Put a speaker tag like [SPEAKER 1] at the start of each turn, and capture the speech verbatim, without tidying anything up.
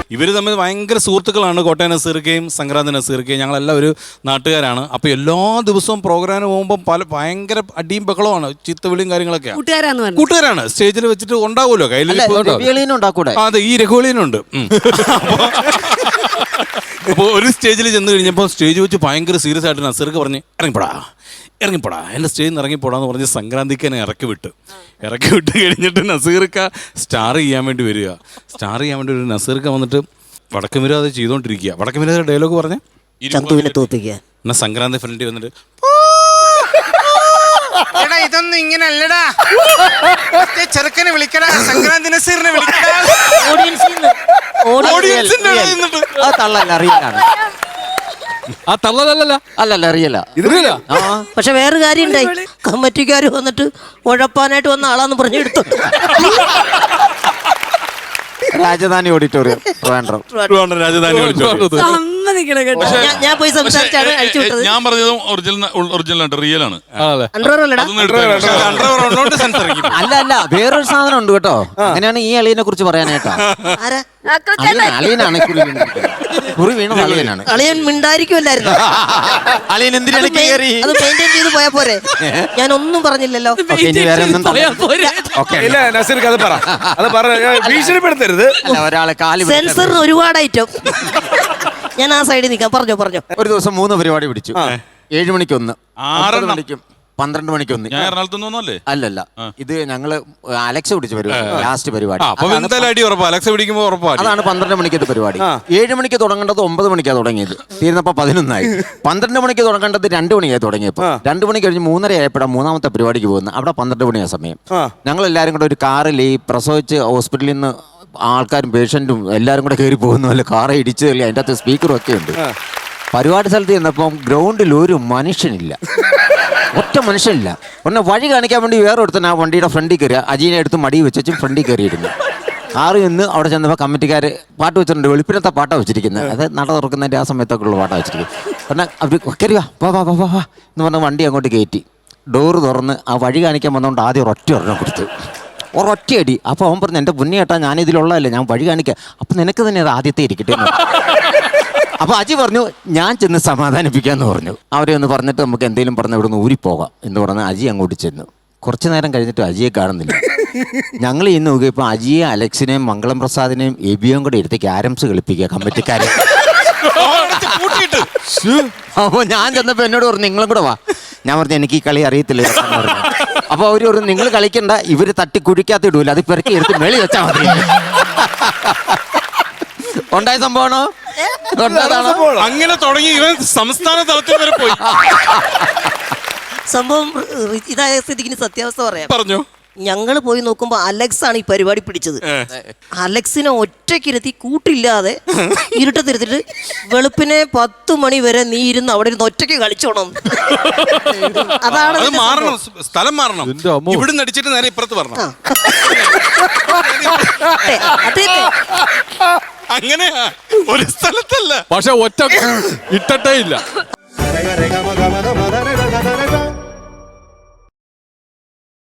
[SPEAKER 1] ഇവർ തമ്മിൽ ഭയങ്കര സുഹൃത്തുക്കളാണ്. കോട്ടയം നസീർക്കയും സംക്രാന്തി നസീർക്കയും ഞങ്ങളെല്ലാം ഒരു നാട്ടുകാരാണ്. അപ്പോൾ എല്ലാ ദിവസവും പ്രോഗ്രാമിന് പോകുമ്പോൾ പല ഭയങ്കര അടിയും ബഹളമാണ്, ചീത്തവിളിയും കാര്യങ്ങളൊക്കെയാണ്. കൂട്ടുകാരാണ്. സ്റ്റേജിൽ വെച്ചിട്ട് ഉണ്ടാവുമല്ലോ കയ്യിൽ. അതെ, ഈ രഘുവളിയനുണ്ട്. അപ്പോൾ ഒരു സ്റ്റേജിൽ ചെന്ന് കഴിഞ്ഞപ്പോൾ സ്റ്റേജ് വെച്ച് ഭയങ്കര സീരിയസ് ആയിട്ട് നസീർക്ക് പറഞ്ഞ് ഇറങ്ങിപ്പോടാ ഇറങ്ങിപ്പോടാ എൻ്റെ സ്റ്റേജിൽ നിന്ന് ഇറങ്ങിപ്പോടാന്ന് പറഞ്ഞ് സംക്രാന്തിക്കനെ ഇറക്കി വിട്ട് ഇറക്കി വിട്ട് കഴിഞ്ഞിട്ട് നസീർക്ക സ്റ്റാർ ചെയ്യാൻ വേണ്ടി വരിക. സ്റ്റാർ ചെയ്യാൻ വേണ്ടി ഒരു നസീർക്ക വന്നിട്ട് വടക്കൻ വിരാതെ ചെയ്തുകൊണ്ടിരിക്കുക. വടക്കൻ വിരാതെ ഡയലോഗ് പറഞ്ഞ് എന്നാ സംക്രാന്തി ഫ്രണ്ടിൽ വന്നിട്ട്
[SPEAKER 2] എടാ ഇതൊന്നും ഇങ്ങനെ അല്ലടാ, ചെറുക്കനെ വിളിക്കടാ, സംക്രാന്തി നസീറിനെ വിളിക്കടാ.
[SPEAKER 3] പക്ഷെ വേറെ കാര്യം ഉണ്ടായി. കമ്മിറ്റിക്കാര് വന്നിട്ട് ഉഴപ്പാനായിട്ട് വന്ന ആളാന്ന് പറഞ്ഞു എടുത്തു.
[SPEAKER 4] രാജധാനി ഓഡിറ്റോറിയം
[SPEAKER 1] രാജധാനി ഓഡിറ്റോറിയം
[SPEAKER 3] ഞാൻ പോയി സംസാരിച്ചാണ് അഴിച്ചു വിട്ടത്.
[SPEAKER 5] ഞാൻ പറഞ്ഞതും ഒറിജിനൽ ആണ്, റിയൽ ആണ്.
[SPEAKER 4] അല്ല അല്ല വേറൊരു സാധനം ഉണ്ട് കേട്ടോ. അങ്ങനെയാണ് ഈ അളിയനെ കുറിച്ച് പറയാനായിട്ടാ. അളിയനാണ് കുറി വീണത്. അളിയനാണ്.
[SPEAKER 3] അളിയൻ മിണ്ടായിരിക്കുമല്ലായിരുന്നു.
[SPEAKER 4] അളിയൻ എന്തിനാണ് കയറി
[SPEAKER 3] അത് മെയിൻറ്റെയിൻ ചെയ്ത് പോയാ പോരെ. ഞാൻ ഒന്നും പറഞ്ഞില്ലല്ലോ.
[SPEAKER 4] ഒരാളെ കാല്
[SPEAKER 3] സെൻസറിന് ഒരുപാട് ഐറ്റം. ഞാൻ ആ സൈഡിൽ നിൽക്കാം. പറഞ്ഞോ പറഞ്ഞോ.
[SPEAKER 4] ഒരു ദിവസം മൂന്ന് പരിപാടി പിടിച്ചു. ഏഴു മണിക്കൊന്ന്, ആറ് മണിക്കും പന്ത്രണ്ട് മണിക്കൊന്ന്. അല്ലല്ല, ഇത് ഞങ്ങള് അലക്സ പിടിച്ച പരിപാടി, ലാസ്റ്റ് പരിപാടി. അതാണ് പന്ത്രണ്ട് മണിക്കത്തെ പരിപാടി. ഏഴ് മണിക്ക് തുടങ്ങേണ്ടത് ഒമ്പത് മണിക്കാണ് തുടങ്ങിയത്. തീർന്നപ്പോ പതിനൊന്നായി. പന്ത്രണ്ട് മണിക്ക് തുടങ്ങേണ്ടത് രണ്ടു മണിയായി തുടങ്ങിയപ്പോ രണ്ടു മണി കഴിഞ്ഞ് മൂന്നര ആയപ്പോഴാണ് മൂന്നാമത്തെ പരിപാടിക്ക് പോകുന്നത്. അവിടെ പന്ത്രണ്ട് മണിയാ സമയം. ഞങ്ങൾ എല്ലാവരും കൂടെ ഒരു കാറിൽ ഈ പ്രസവിച്ച് ഹോസ്പിറ്റലിൽ നിന്ന് ആൾക്കാരും പേഷ്യന്റും എല്ലാവരും കൂടെ കയറി പോകുന്നു. അല്ല കാറെ ഇടിച്ചതല്ലേ, അതിൻ്റെ അകത്ത് സ്പീക്കറും ഒക്കെ ഉണ്ട്. പരിപാടി സ്ഥലത്ത് ചെന്നപ്പം ഗ്രൗണ്ടിൽ ഒരു മനുഷ്യനില്ല, ഒറ്റ മനുഷ്യനില്ല. ഒന്ന് വഴി കാണിക്കാൻ വേണ്ടി വേറെ ഒരുത്തൻ ആ വണ്ടിയുടെ ഫ്രണ്ടിൽ കയറി അജീനെ എടുത്ത് മടി വെച്ചും ഫ്രണ്ടിൽ കയറിയിരുന്നു. കാറ് നിന്ന് അവിടെ ചെന്നപ്പോൾ കമ്മിറ്റിക്കാർ പാട്ട് വെച്ചിട്ടുണ്ട്. വെളുപ്പിനത്തെ പാട്ടാണ് വെച്ചിരിക്കുന്നത്. അത് നട തുറക്കുന്നതിൻ്റെ ആ സമയത്തൊക്കെ ഉള്ള പാട്ടാണ് വെച്ചിരിക്കുന്നത്. പറഞ്ഞാൽ അവർ കയറി വാ വാ വാ വാ വാ എന്ന് പറഞ്ഞാൽ വണ്ടി അങ്ങോട്ട് കയറ്റി ഡോറ് തുറന്ന് ആ വഴി കാണിക്കാൻ വന്നുകൊണ്ട് ആദ്യം ഒരൊറ്റ ഒരെണ്ണം കൊടുത്തു, ഒരൊറ്റയടി. അപ്പോൾ അവൻ പറഞ്ഞു, എൻ്റെ പുണ്യ ഏട്ടാ ഞാനിതിലുള്ളതല്ലേ, ഞാൻ വഴി കാണിക്കാം, അപ്പം നിനക്ക് തന്നെ അത് ആദ്യത്തെ ഇരിക്കട്ടെ. അപ്പോൾ അജി പറഞ്ഞു ഞാൻ ചെന്ന് സമാധാനിപ്പിക്കാമെന്ന് പറഞ്ഞു. അവരെ ഒന്ന് പറഞ്ഞിട്ട് നമുക്ക് എന്തെങ്കിലും പറഞ്ഞ് ഇവിടെ നിന്ന് ഊരിപ്പോകാം എന്ന് പറഞ്ഞ് അജി അങ്ങോട്ട് ചെന്നു. കുറച്ച് നേരം കഴിഞ്ഞിട്ട് അജിയെ കാണുന്നില്ല. ഞങ്ങൾ ഇന്ന് നോക്കിയപ്പോൾ അജിയെ, അലക്സിനെയും മംഗളം പ്രസാദിനെയും എബിയും കൂടെ എടുത്ത് ക്യാരംസ് കളിപ്പിക്കുക കമ്മിറ്റിക്കാരെ. അപ്പോൾ ഞാൻ ചെന്നപ്പോൾ എന്നോട് പറഞ്ഞു നിങ്ങളും കൂടെ വാ. ഞാൻ പറഞ്ഞു എനിക്ക് ഈ കളി അറിയത്തില്ല പറഞ്ഞു. അപ്പോൾ അവർ പറഞ്ഞു നിങ്ങൾ കളിക്കണ്ട, ഇവർ തട്ടി കുഴിക്കാത്ത ഇടൂല, അത് പെറുക്കി എടുത്ത് മേളി വെച്ചാൽ മതി. ഉണ്ടായ സംഭവമാണോ?
[SPEAKER 1] അങ്ങനെ തുടങ്ങി ഇവൻ സംസ്ഥാന തലത്തിൽ വരെ പോയി.
[SPEAKER 3] സംഭവം ഇതായ സ്ഥിതിക്ക് സത്യാവസ്ഥ പറയാം.
[SPEAKER 1] പറഞ്ഞു.
[SPEAKER 3] ഞങ്ങൾ പോയി നോക്കുമ്പോ അലക്സ് ആണ് ഈ പരിപാടി പിടിച്ചത്. അലക്സിനെ ഒറ്റയ്ക്കിരുത്തി കൂട്ടില്ലാതെ ഇരുട്ടത്തിരുത്തിട്ട് വെളുപ്പിനെ പത്ത് മണി വരെ നീ ഇരുന്ന് അവിടെ ഇരുന്ന് ഒറ്റയ്ക്ക് കളിച്ചോണം. അതാണ്
[SPEAKER 1] മാറണം, സ്ഥലം മാറണം. ഇവിടുന്ന് അടിച്ചിട്ട് നേരെ ഇപ്പുറത്ത് പറഞ്ഞു. അങ്ങനെയാ, ഒരു സ്ഥലത്തല്ല.
[SPEAKER 5] പക്ഷെ ഒറ്റ ഇട്ടേ ഇല്ല.